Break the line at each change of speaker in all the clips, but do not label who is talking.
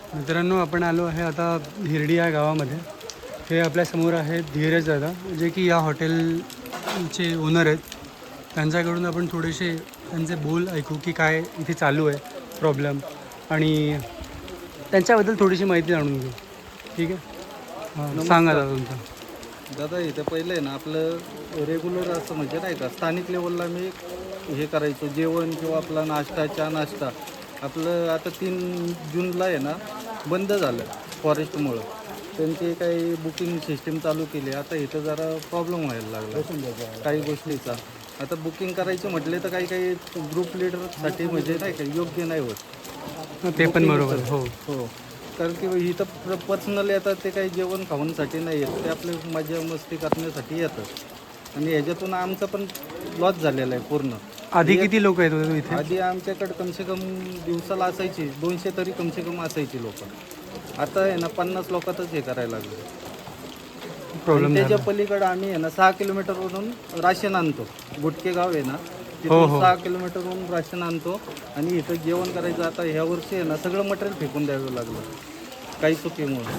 मित्रांनो, आपण आलो आहे आता हिरडी या गावामध्ये. हे आपल्यासमोर आहेत धीरज दादा, जे की या हॉटेलचे ओनर आहेत. त्यांच्याकडून आपण थोडेसे त्यांचे बोल ऐकू की काय इथे चालू आहे प्रॉब्लेम, आणि त्यांच्याबद्दल थोडीशी माहिती जाणून घेऊ. ठीक आहे, हां सांगा दादा तुमचं.
दादा इथं पहिलं आहे ना आपलं रेग्युलर असं म्हणजे नाही का स्थानिक लेवलला मी हे करायचो जेवण किंवा आपला नाश्ता चहा नाश्ता. आपलं आता 3 जूनला आहे ना बंद झालं फॉरेस्टमुळं. त्यांची काही बुकिंग सिस्टीम चालू केली. आता इथं जरा प्रॉब्लेम व्हायला लागला काही गोष्टीचा. आता बुकिंग करायचं म्हटले तर काही ग्रुप लिडरसाठी म्हणजे नाही का योग्य नाही होत.
ते पण बरोबर. हो
हो, कारण की इथं पर्सनली येतात ते काही जेवण खाऊनसाठी नाही येत, ते आपले मजा मस्ती करण्यासाठी येतात. आणि ह्याच्यातून आमचा पण लॉस झालेला आहे पूर्ण.
आधी किती लोक येत होते इथे?
आधी आमच्याकडे कमसे कम दिवसाला असायची 200 तरी कमसे कम असायची लोक. आता आहे ना 50 लोकातच हे करायला लागले.
प्रॉब्लेम
त्याच्या पलीकडे आम्ही आहे ना 6 किलोमीटरवरून राशन आणतो. गुटके गाव आहे ना
हो,
तिथून
हो.
6 किलोमीटरवरून राशन आणतो आणि इथं जेवण करायचं. आता ह्या वर्षी आहे ना सगळं मटेरियल फेकून द्यावं लागलं काही चुकीमुळे.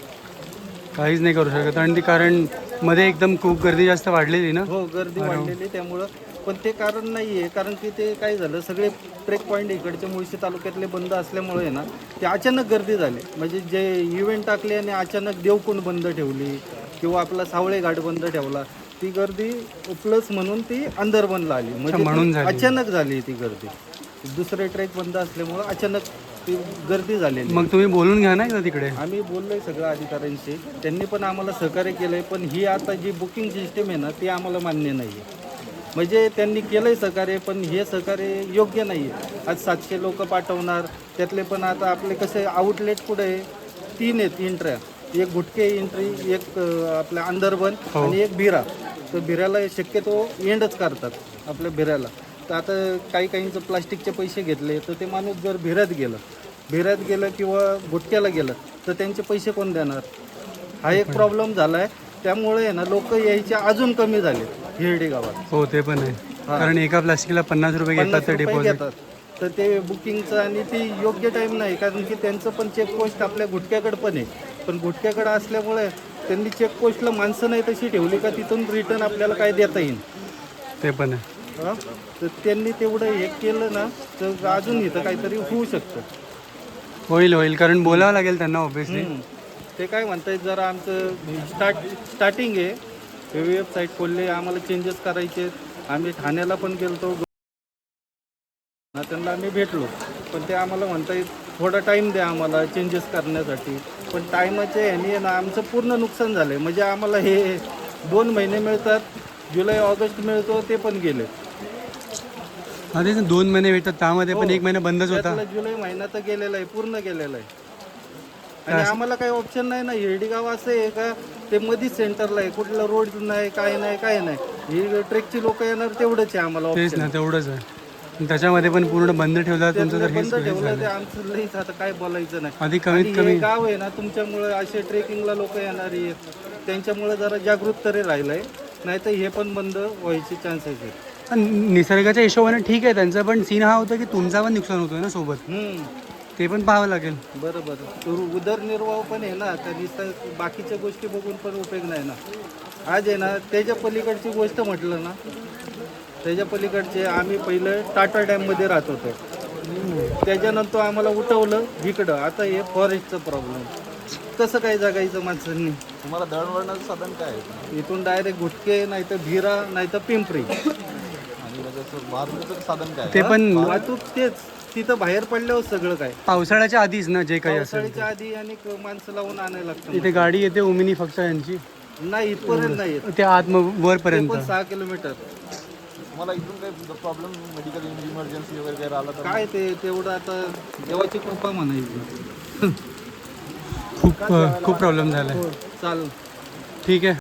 काहीच नाही करू शकत, आणि ती कारण मध्ये एकदम खूप गर्दी जास्त वाढलेली ना.
हो, गर्दी वाढलेली त्यामुळं. पण ते कारण नाही आहे, कारण की ते काय झालं सगळे ट्रेक पॉईंट इकडचे मुळशी तालुक्यातले बंद असल्यामुळे आहे ना ते अचानक गर्दी झाली. म्हणजे जे इव्हेंट टाकले आणि अचानक देवकुंड बंद ठेवली किंवा आपला सावळे घाट बंद ठेवला, ती गर्दी प्लस म्हणून ती अंदरबनला आली.
म्हणून
म्हणजे अचानक झाली ती गर्दी. दुसरे ट्रेक बंद असल्यामुळं अचानक ती गर्दी झालेली.
मग तुम्ही बोलून घ्या ना तिकडे.
आम्ही बोललोय सगळ्या अधिकाऱ्यांशी, त्यांनी पण आम्हाला सहकार्य केलंय. पण ही आता जी बुकिंग सिस्टीम आहे ना ती आम्हाला मान्य नाही आहे. म्हणजे त्यांनी केलंय सहकार्य, पण हे सहकार्य योग्य नाही आहे. आज 700 लोक पाठवणार, त्यातले पण आता आपले कसे आउटलेट कुठे आहे 3 आहेत एंट्र्या. एक गुटके एंट्री, एक आपल्या अंदरबन आणि एक भिरा. तर भिऱ्याला शक्यतो एंडच करतात आपल्या भिऱ्याला. तर आता काहींचं प्लास्टिकचे पैसे घेतले, तर ते माणूस जर भिऱ्यात गेलं किंवा गुटक्याला गेलं तर त्यांचे पैसे कोण देणार, हा एक प्रॉब्लेम झाला आहे. त्यामुळे आहे ना लोक यायचे अजून कमी झाले हिरडी गावात.
हो ते पण आहे, कारण एका प्लास्टिकला 50 रुपये घेतात ते डिपॉझिट
घेतात. तर ते बुकिंगचं आणि ते योग्य टाईम नाही, कारण की त्यांचं पण चेकपोस्ट आपल्या गुटक्याकडे पण आहे. पण गुटक्याकडे असल्यामुळे त्यांनी चेकपोस्टला माणसं नाही तशी ठेवली का तिथून रिटर्न आपल्याला काय देता येईल.
ते पण आहे.
तर त्यांनी तेवढं हे केलं ना तर अजून इथं काहीतरी होऊ शकतं.
होईल, कारण बोलावं लागेल त्यांना ऑब्विसली.
ते काय म्हणतायत जरा आमचं स्टार्टिंग आहे, वेबसाईट खोलले, आम्हाला चेंजेस करायचे. आम्ही ठाण्याला पण गेलतो, त्यांना आम्ही भेटलो, पण ते आम्हाला म्हणतायत थोडा टाईम द्या आम्हाला चेंजेस करण्यासाठी. पण टायमाच्या ह्याने ना आमचं पूर्ण नुकसान झालं आहे. म्हणजे आम्हाला हे 2 महिने मिळतात, जुलै ऑगस्ट मिळतो, ते पण गेले.
अरे 2 महिने भेटतात, त्यामध्ये पण 1 महिना बंदच होता.
जुलै महिना तर गेलेला आहे, पूर्ण गेलेला आहे. आणि आम्हाला काही ऑप्शन नाही ना. हिरडी गाव असं आहे का ते मध्येच सेंटरला आहे, कुठला रोड नाही, काय नाही. ही ट्रेकची लोक येणार तेवढंच आहे आम्हाला
तेच
ऑप्शन.
ना, तेवढंच आहे. त्याच्यामध्ये पण पूर्ण बंद ठेवला तुमचं, तर
बंद ठेवलं ते आमचं लईच आता काय बोलायचं नाही.
आधी कमीत कमी
गाव आहे ना तुमच्यामुळे असे ट्रेकिंगला लोक येणारी आहेत, त्यांच्यामुळे जरा जागृत तरी राहिलंय. नाही तर हे पण बंद व्हायचे चान्सेस आहेत.
निसर्गाच्या हिशोबाने ठीक आहे त्यांचा, पण सीन हा होता की तुमचा पण नुकसान होतोय ना सोबत, ते पण पाहावं लागेल.
बरोबर, उदरनिर्वाह पण आहे ना, तर बाकीच्या गोष्टी बघून पण उपयोग नाही ना. आज आहे ना त्याच्या पलीकडची गोष्ट म्हटलं ना, त्याच्या पलीकडचे आम्ही पहिलं टाटा डॅममध्ये राहत होतो, त्याच्यानंतर आम्हाला उठवलं इकडं. आता हे फॉरेस्टचं प्रॉब्लेम, कसं काय जगायचं माणसांनी.
तुम्हाला दळणवळणाचं साधन काय आहे?
इथून डायरेक्ट गुटके, नाही तर भिरा, नाही तर पिंपरी.
आणि त्याचं वाहतुकीचं साधन काय?
ते पण
वाहतूक तेच, तिथं बाहेर पडल्यावर सगळं काय
पावसाळ्याच्या आधीच ना, जे काही असेल
पावसाळ्याच्या आधी आणि माणसं लावून आणायला लागतं.
इथे गाडी येते ओमिनी फक्त यांची,
नाही इथपर्यंत नाही येत,
ते आत वरपर्यंत.
6 किलोमीटर.
तुम्हाला इथून काही प्रॉब्लेम, मेडिकल इमर्जन्सी वगैरे काही आला तर
काय ते तेवढं आता देवाची कृपा म्हणायची.
खूप प्रॉब्लेम झाला.
चाल
ठीक आहे.